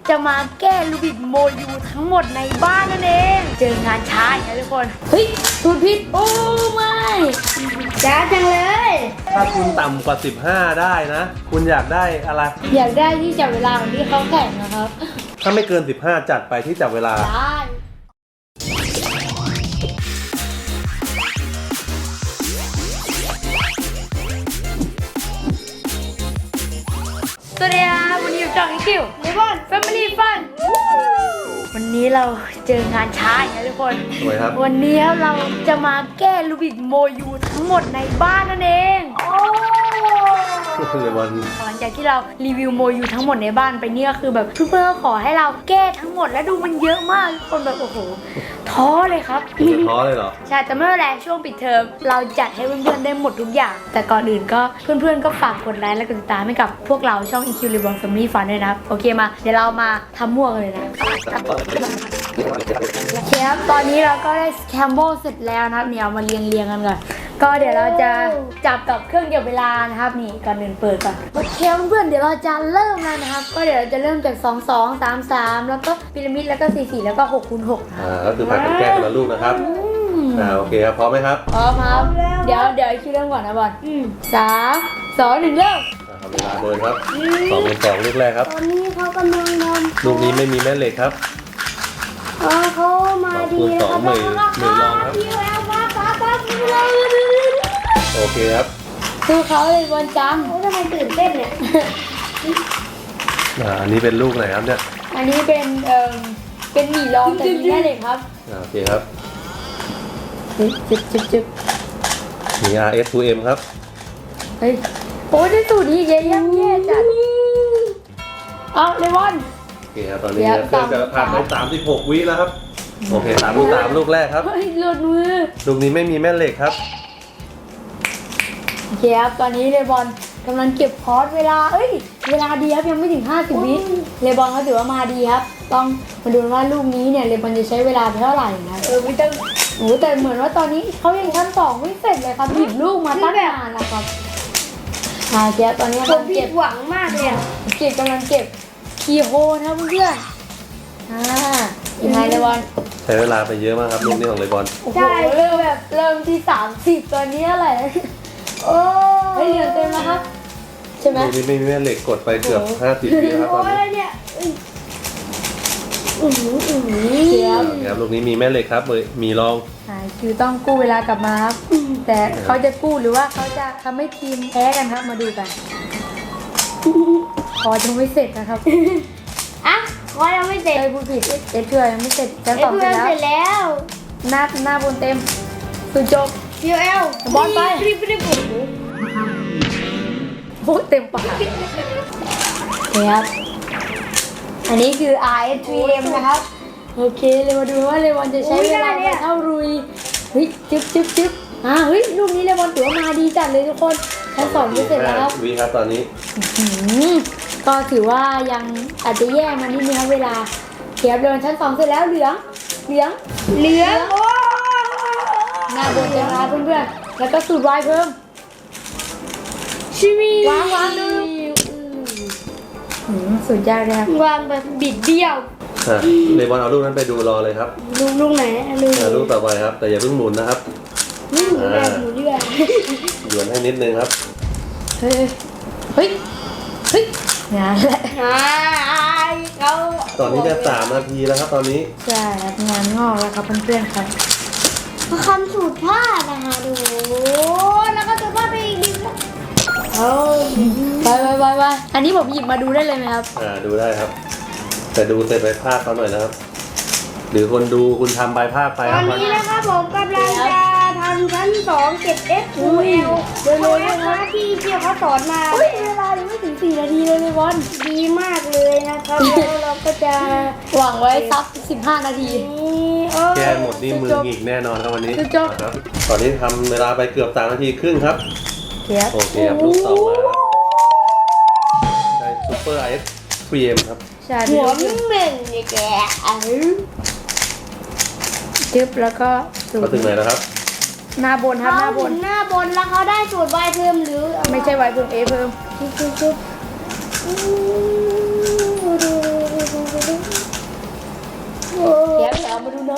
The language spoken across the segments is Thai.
จะมาแก้ลูบิกโมยูทั้งหมดในบ้านนั่นเองเจองานช้าอย่างนี้ทุกคนเฮ้ยถูกผิดโอ้ไม่ช้าจังเลยถ้าคุณต่ำกว่า15ได้นะคุณอยากได้อะไรอยากได้ที่จับเวลาของที่เขาแข่งนะครับถ้าไม่เกิน15จัดไปที่จับเวลาได้สวัสดีครับวันนี้อยู่ช่องคิวในบ้าน Family Fun วันนี้เราเจองานช้าอย่างนี้ทุกคนสวยครับวันนี้เราจะมาแก้ลูบิกโมยูทั้งหมดในบ้านนั่นเองหลังจากที่เรารีวิวโมยูทั้งหมดในบ้านไปนี่ก็คือแบบเพื่อนๆขอให้เราแก้ทั้งหมดและดูมันเยอะมากทุกคนแบบโอ้โหท้อเลยครับท้อเลยเหรอใช่แต่ไม่เป็นไรช่วงปิดเทอมเราจัดให้เพื่อนๆได้หมดทุกอย่างแต่ก่อนอื่นก็เพื่อนๆก็ฝากกดไลค์และกดติดตามให้กับพวกเราช่อง EQ Reborn Family Fun ด้วยนะครับโอเคมาเดี๋ยวเรามาทำมั่วกันเลยนะโอเคครับตอนนี้เราก็ได้สแคมโบเสร็จแล้วนะครับเนี่ยเอามาเรียงกันก่อนก็เดี๋ยวเราจะจับกับเครื่องเก็บเวลานะครับนี่ก่อนอื่นเปิดก่อนโอเคเพื่อนๆเดี๋ยวเราจะเริ่มแล้วนะครับก็เดี๋ยวเราจะเริ่มจาก2 2 3 3แล้วก็พีระมิดแล้วก็4 4แล้วก็6 คูณ 6 ก็คือผัดกันแก้คนละลูกนะครับโอเคครับพร้อมไหมครับพร้อมครับเดี๋ยวคิดเริ่มก่อนนะบอล3 2 1เริ่มเวลาเดินครับ2 ลูกแรกครับตอนนี้เขากำลังทำลูกนี้ไม่มีแม่เหล็กครับเขามาดีนะครับมือรองครับโอเคครับสู้เขาเลยบอลจังทำไมตื่นเต้นเนี่ยอันนี้เป็นลูกไหนครับเนี่ยอันนี้เป็นหมี่รองแต่มีแม่เหล็กครับโอเคครับจึ๊บมี RS2M ครับเฮ้ยโอ้ยได้สูตรนี้เยอะแยะจัดเอาเลวอนโอเคครับตอนนี้เครื่องจะผ่านไป36 วิแล้วครับโอเค3 ลูกแรกครับเฮ้ยหลุดมือลูกนี้ไม่มีแม่เหล็กครับโอเคครับตอนนี้เลบอนกำลังเก็บคอร์สเวลาเวลาดีครับยังไม่ถึง50 วิเลบอนเขาถือว่ามาดีครับต้องมาดูว่าลูกนี้เนี่ยเลบอนจะใช้เวลาเท่าไหร่นะไม่ต้องแต่เหมือนว่าตอนนี้เขายังชั้น2ไม่เสร็จเลยครับหยิบลูกมาตั้งนานแล้วครับเจ๊ตอนนี้ผมผิดหวังมากเลยกำลังเก็บคีย์โฮนะเพื่อนยังไงเลบอนใช้เวลาไปเยอะมากครับลูกนี้ของเลบอนใช่เริ่มที่30ตอนนี้อะไรโอ้เหลือเต็มแล้วครับใช่ไหมลูกนี้ไม่มีแม่เหล็กกดไปเกือบ50 วิแล้วครับตอนนี้เนี่ยครับลูกนี้มีแม่เหล็กครับมีรองคือต้องกู้เวลากลับมาครับแต่เขาจะกู้หรือว่าเขาจะทำให้ทีมแพ้กันครับมาดูกันขอยังไม่เสร็จนะครับขอยังไม่เสร็จพูดผิดเจ๊เชื่อยังไม่เสร็จจะสอบเสร็จแล้วหน้าบนเต็มสุดจบ PL บอลไปโอ้เต็มปากครับอันนี้คือ RS3M นะครับโอเคเลยมาดูว่าเลวอนจะใช้เวลาเท่ารุยเฮ้ยจึ๊บเฮ้ยลูกนี้เลวอนถือว่ามาดีจัดเลยทุกคนชั้น2จะเสร็จแล้วครับวิครับตอนนี้ก็ถือว่ายังอาจจะแย่มานิดนึงครับเวลาเทียบเลวอนชั้น2เสร็จแล้วเหลืองหน้าบนจะมาเพื่อนๆแล้วก็สูตรวายเพิ่มชิมีวางดูสุดยอดเลยครับวางแบบบิดเบี้ยวเลบอนเอาลูกนั้นไปดูรอเลยครับลูกไหนลูกต่อไปครับแต่อย่าเพิ่งหมุนนะครับหมุนด้วยหมุนให้นิดนึงครับเฮ้ยงานแหละเขาตอนนี้จะ3 นาทีแล้วครับตอนนี้ใช่ครับงานงอกแล้วครับเพื่อนๆครับคำสูตรพลาดนะคะดูแล้วก็จะพลาดไปอีกนิดไปอันนี้ผมหยิบมาดูได้เลยไหมครับดูได้ครับแต่ดูเสร็จไปพลาดเขาหน่อยนะครับหรือคนดูคุณทำใบพลาดไปตอนนี้นะครับผมกำลังจะทำชั้น2เก็บ F2L โดยนะคะที่เขาสอนมาเวลายังไม่ถึง4 นาทีเลยบอลดีมากเลยนะครับแล้วเราก็จะหวังไว้สัก15 นาทีแก้หมดนี่มือหงิกแน่นอนครับวันนี้ครับตอนนี้ทำเวลาไปเกือบ3 นาทีครึ่งครับโอเคครับลูกต่อมาได้ซูเปอร์ RS3M ครับหัวมึงเหม่งเนี่ยแกจึ๊บแล้วก็มาถึงไหนแล้วครับหน้าบนครับหน้าบนแล้วเขาได้สูตร Y เพิ่มหรือไม่ใช่ Y เพิ่ม A เพิ่ม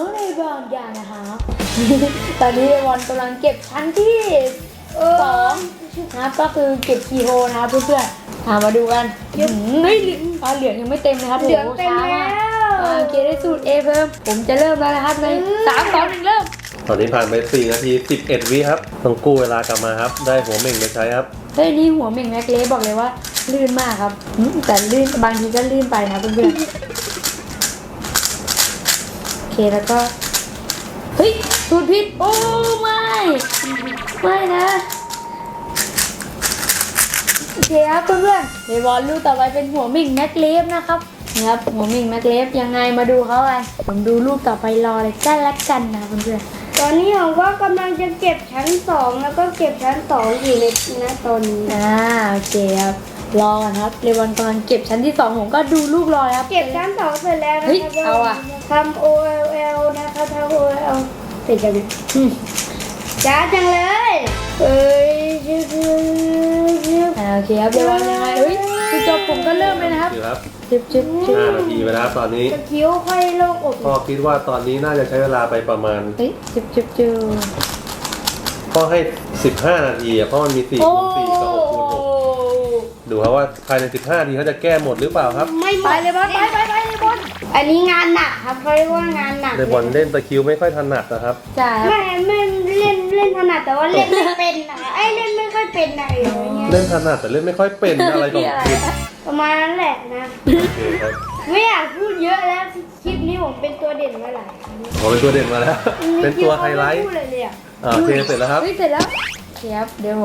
ในบางอย่างนะคะ ตอนนี้เลบอนกำลังเก็บชั้นที่2นะครับก็คือเก็บคีย์โฮนะครับเพื่อนๆมาดูกันเฮ้ยเหลืองยังไม่เต็มนะครับเหลืองเต็มแล้วโอเคได้สูตร A เพิ่มผมจะเริ่มแล้วนะครับใน3 2 1เริ่มตอนนี้ผ่านไป4 นาที 11 วิครับต้องกู้เวลากลับมาครับได้หัวเหม่งไปใช้ครับเฮ้ยนี่หัวเหม่งแม็กเล่บอกเลยว่าลื่นมากครับแต่ลื่นบางทีก็ลื่นไปนะเพื่อนๆโอเคแล้วก็เฮ้ยสูตรผิดโอ้ไม่นะโอเคครับเพื่อนๆเลบอนลูกต่อไปเป็นหัวเหม่งแม็กเล่นะครับนี่ครับหัวเหม่งแม็กเล่ยังไงมาดูเขากันผมดูลูกต่อไปรอเลยกันละกันนะเพื่อนๆตอนนี้ผมก็กำลังจะเก็บชั้น2แล้วก็เก็บชั้น2อยู่ในนะตอนนี้โอเคครับรอกันครับเลบอนกำลังเก็บชั้นที่2ผมก็ดูลูกรอครับเก็บชั้น2เสร็จแล้วนะเฮ้ยครับเอาอะทำ OLL นะครับทำ OLL เสร็จยังจ้าจังเลยเอ้ยชื่อโอเคครับเลบอนยังไงเฮ้ยคือจบผมก็เริ่มเลยนะครับคือครับจึ๊บ 5 นาทีไปแล้วครับตอนนี้จะคิ้วค่อยโล่งอกพ่อคิดว่าตอนนี้น่าจะใช้เวลาไปประมาณเฮ้ยจึ๊บพ่อให้ 15 นาทีอะเพราะมันมี4 โอ้คูณ4กับ6คูณ6ดูครับว่าภายใน 15 นาทีเขาจะแก้หมดหรือเปล่าครับไม่หมไปดเลยบอลไปเลยบอลอันนี้งานหนักครับเขาเรียกว่างานหนักในบอลเล่นตะคริวไม่ค่อยถนัดนะครับจ่ายครับไม่เล่นถนัดแต่ว่าเล่นไม่เป็นนะไอ้เล่นไม่ค่อยเป็นอะไรอย่างเงี้ยเล่นถนัดแต่เล่นไม่ค่อยเป็นอะไรของคุณประมาณนั้นแหละนะโอเคครับไม่อยากพูดเยอะแล้วคลิปนี้ผมเป็นตัวเด่นมาหลายครั้งผมเป็นตัวเด่นมาแล้ว เป็นตัวไฮไลท์พูดเลยเลยอ่ะโอเคเสร็จแล้วครับเฮ้ยเสร็จแล้วโอเคครับเดี๋ยวผม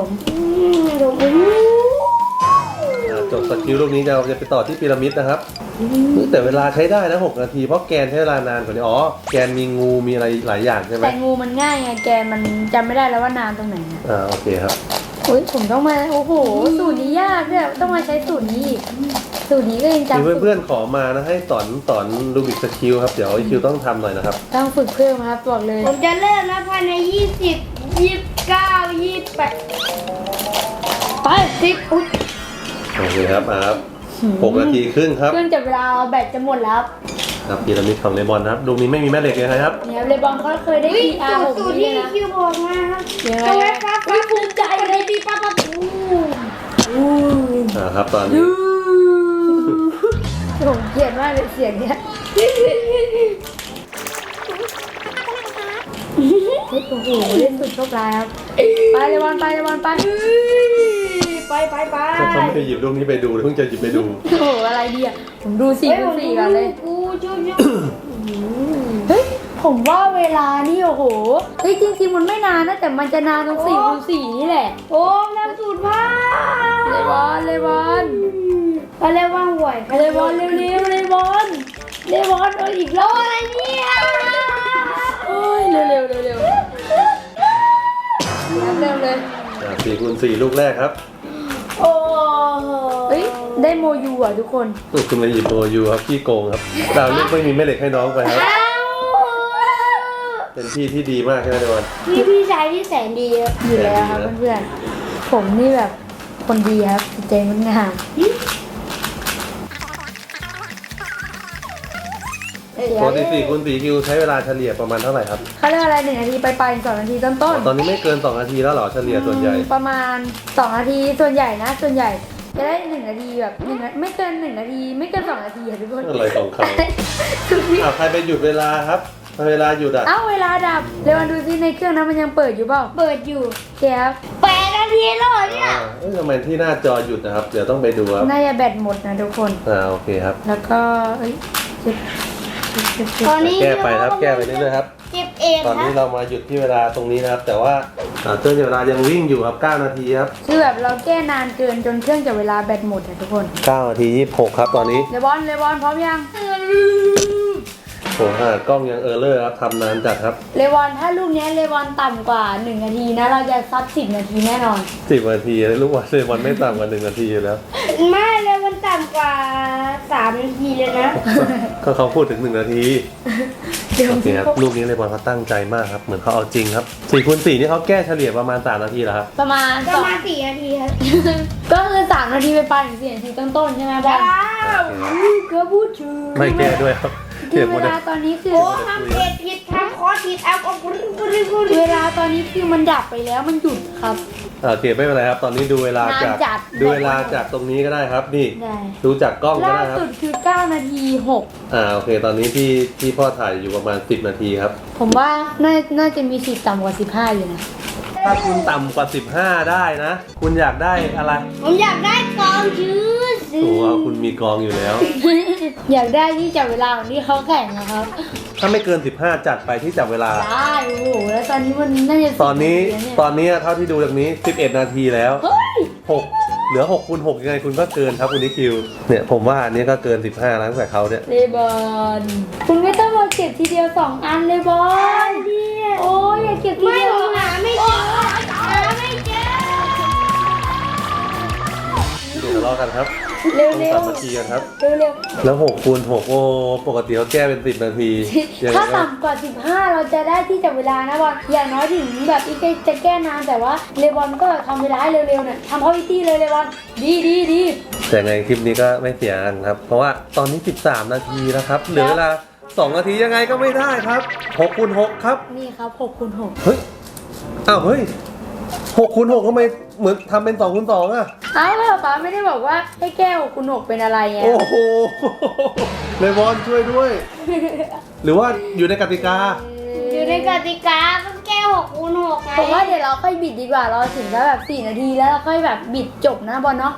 จบสกิลลูกนี้จะไปต่อที่พีระมิดนะครับแต่เวลาใช้ได้นะ6 นาทีเพราะแกนใช้เวลานานกว่านี้อ๋อแกนมีงูมีอะไรหลายอย่างใช่ไหมแต่งูมันง่ายไงแกนมันจำไม่ได้แล้วว่านานตรงไหนนะโอเคครับโอ้ยผมต้องมาโอ้โหสูตรนี้ยากด้วยต้องมาใช้สูตรนี้อีกสูตรนี้ก็ยังมีจำเพื่อนๆขอมานะให้สอนรูบิกสกิลครับเดี๋ยวคิวต้องทำหน่อยนะครับต้องฝึกเพิ่มครับบอกเลยผมจะเริ่มนะภายใน20 29 28 ไป10อุ๊ยโอเคครับครับ6 นาทีครึ่งครับเครื่องจับเวลาแบตจะหมดแล้วครับพีระมิดของเลบอนนะครับลูกนี้ไม่มีแม่เหล็กเลยครับเนี่ยเลบอนเขาเคยได้ PR สูตร 6นี่ที่นะคิวบอกมาครับยังไงตรงอะนี้ครับอุ๊ยภูมิใจเลยดีปั๊บครับตอนนี้ผมเกลียดมากเลยเสียงเนี้ยเฮ้ยโอ้โหเล่นสุดโชคร้ายครับไปเลบอนไปเลบอนไปไปเขาไม่ได้หยิบลูกนี้ไปดูเพิ่งจะหยิบไปดูโอ้โหอะไรดีอ่ะผมดู4 คูณ 4ก่อนเลยกูชุบเฮ้ยผมว่าเวลานี่โอ้โหเฮ้ยจริงๆมันไม่นานนะแต่มันจะนานตรง4 คูณ 4นี่แหละโอ้ทำสูตรมากเลบอนเลบอนเขาเรียกว่าห่วยเลบอนเร็วๆเลบอนเลบอนเอาอีกรอบอะไรเนี่ยโอ้ยเร็วๆเร็วๆเริ่มเลย 4 คูณ 4ลูกแรกครับโอ้เฮ้ยได้โมยูอ่ะทุกคนคุณมาหยิบโมยูครับขี้โกงครับดาวลูกไม่มีแม่เหล็กให้น้องไปครับ เป็นพี่ที่ดีมากใช่ไหมเลบอนพี่ชายที่แสนดีครับอยู่แล้วครับเพื่อนๆผมนี่แบบคนดีครับจิตใจงดงามปกติ4 คูณ 4คิวใช้เวลาเฉลี่ยประมาณเท่าไหร่ครับเขาเรียกอะไร1 นาทีไป2 นาทีต้นตอนนี้ไม่เกิน2 นาทีแล้วเหรอเฉลี่ยส่วนใหญ่ประมาณ2 นาทีส่วนใหญ่นะส่วนใหญ่จะได้1 นาทีแบบไม่เกิน1 นาทีไม่เกิน2 นาทีอะทุกคนอะไรของเขาใครไปหยุดเวลาครับเวลาหยุดอ่ะเอ้าเวลาดับเร็ววันดูซิในเครื่องนั้นมันยังเปิดอยู่เปล่าเปิดอยู่แก๊บ 8 นาทีแล้วเหรอเนี่ยทำไมที่หน้าจอหยุดนะครับ เดี๋ยวต้องไปดูครับน่าจะแบตหมดนะทุกคนโอเคครับแล้วก็เอ้ยจึ๊บตอนนี้แก้ไปครับแก้ไปเรื่อยๆครับเก็บเองตอนครันี้บเรามาหยุดที่เวลาตรงนี้นะครับ แต่ว่าเครื่องจับเวลายังวิ่งอยู่ครับ9 นาทีครับคือแบบเราแก้นานเกินจนเครื่องจับเวลาแบตหมดนะทุกคน 9 นาที 26ครับตอนนี้เลบอนพร้อมยังโอ้โหกล้องยังเลอร์ครับทำนานจัดครับเลบอนถ้าลูกนี้เลบอนต่ำกว่า1 นาทีนะเราจะซัด10 นาทีแน่นอน 10 นาทีลูกบอลเลยบอลไม่ต่ำกว่า1 นาทีอยู่แล้วไม่เลยมันต่ำกว่า3 นาทีเลยนะก็เขาพูดถึง1 นาทีเดี๋ยวโอเคครับลูกนี้เลยบอลเขาตั้งใจมากครับเหมือนเขาเอาจริงครับ4 คูณ 4นี่เขาแก้เฉลี่ยประมาณ3 นาทีแล้วครับประมาณประมาณ4 นาทีครับก็คือ3 นาทีไปถึง4 นาทีต้นๆใช่ไหมบอลว้าวก็พูดชื่อไม่แก้ด้วยครับที่เวลาตอนนี้คือโอ้ทำเพจผิดคอสผิดแอปเวลาตอนนี้คือมันดับไปแล้วมันหยุดครับโอเคไม่เป็นไรครับตอนนี้ดูเวลาจากนานจัดดูเวลาจากตรงนี้ก็ได้ครับนี่ได้ดูจากกล้องก็ล่าได้ครับสุดคือ9นาที6 โอเคตอนนี้ที่พ่อถ่ายอยู่ประมาณ10 นาทีครับผมว่าน่าจะมีสิทธิ์ต่ำกว่า15อยู่นะถ้าคุณต่ำกว่า15ได้นะ คุณอยากได้อะไรผมอยากได้กองชื้อโอ้โหคุณมีกองอยู่แล้วอยากได้ที่จับเวลาของที่เขาแข่งนะครับถ้าไม่เกิน15จัดไปที่จับเวลาได้โอ้โหแล้วตอนนี้มันน่าจะตอนนี้ 10แล้วเยตอนนี้เท่าที่ดูจากนี้11 นาทีแล้วเฮ้ย 6เหลือ6คูณ6ยังไงคุณก็เกินครับคุณนิคิวเนี่ยผมว่าอันนี้ก็เกิน15แล้วตั้งแต่เขาเนี่ยเลบอนคุณไม่ต้องมาเก็บทีเดียว2อันเลยบอลโอ้ยอย่าเก็บทีไม่เดียวผมหาไม่เจอหาไม่เจอเดี๋ยวทะเลาะกันครับเร็วต้องเร็วสามัคคีกันครับเร็วเร็วแล้ว6คูณ6โอ้ปกติเขาแก้เป็น10 นาทียังไงถ้าก็ต่ำกว่า15เราจะได้ที่จับเวลานะบอลอย่างน้อยถึงแบบอีกจะแก้นานแต่ว่าเลบอนก็ทำเวลาให้เร็วๆเนี่ยทำเข้าวิธีเลยเลบอนดีแต่ไงคลิปนี้ก็ไม่เสียกันครับ เพราะว่าตอนนี้13 นาทีแล้วครับเหลือเวลา2 นาทียังไงก็ไม่ได้ครับ6คูณ6ครับนี่ครับ6คูณ6 เฮ้ยอ้าวเฮ้ย6คูณ6ทำไมเหมือนทำเป็น2คูณ2อ่ะเอ้าแล้วป๊าไม่ได้บอกว่าให้แก้6คูณ6เป็นอะไรไงโอ้โหเลบอนช่วยด้วย หรือว่าอยู่ในกติกาอยู่ในกติกาต้องแก้6คูณ6ไงผมว่าเดี๋ยวเราค่อยบิดดีกว่าเราถึงแล้วแบบ4 นาทีแล้วเราค่อยแบบบิดจบนะบอลเนาะ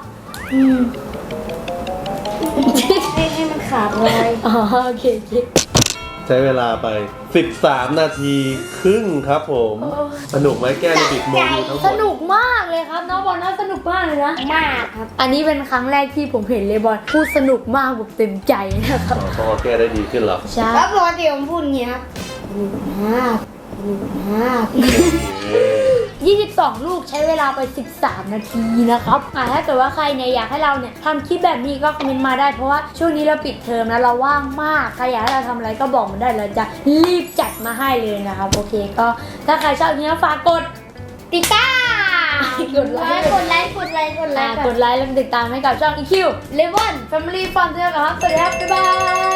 ให้มันขาดเลยอ๋อโอเคใช้เวลาไป 13 นาทีครึ่งครับผมสนุกไหมแก้ในบิดโมดูทั้งหมสดนุกมากเลยครับน้องบอลนะสนุกมากเลยนะมากครับอันนี้เป็นครั้งแรกที่ผมเห็นเลบอนพูดสนุกมากแบบเต็มใจนะครับพอแก้ได้ดีขึ้นเหรอใช่แล้วปกติผมพูดอย่างนี้ครับ 22 ลูกใช้เวลาไป 13 นาทีนะครับถ้าเกิดว่าใครเนี่ยอยากให้เราเนี่ยทำคลิปแบบนี้ก็คอมเมนต์มาได้เพราะว่าช่วงนี้เราปิดเทอมนะเราว่างมากใครอยากให้เราทำอะไรก็บอกมาได้เราจะรีบจัดมาให้เลยนะครับโอเคก็ถ้าใครชอบอย่างนี้ฝากกดติดตามกดไลค์กดไลค์กดไลค์แล้วติดตามให้กับช่อง EQ Level Family Fun ด้วยนะครับสวัสดีครับบ๊ายบาย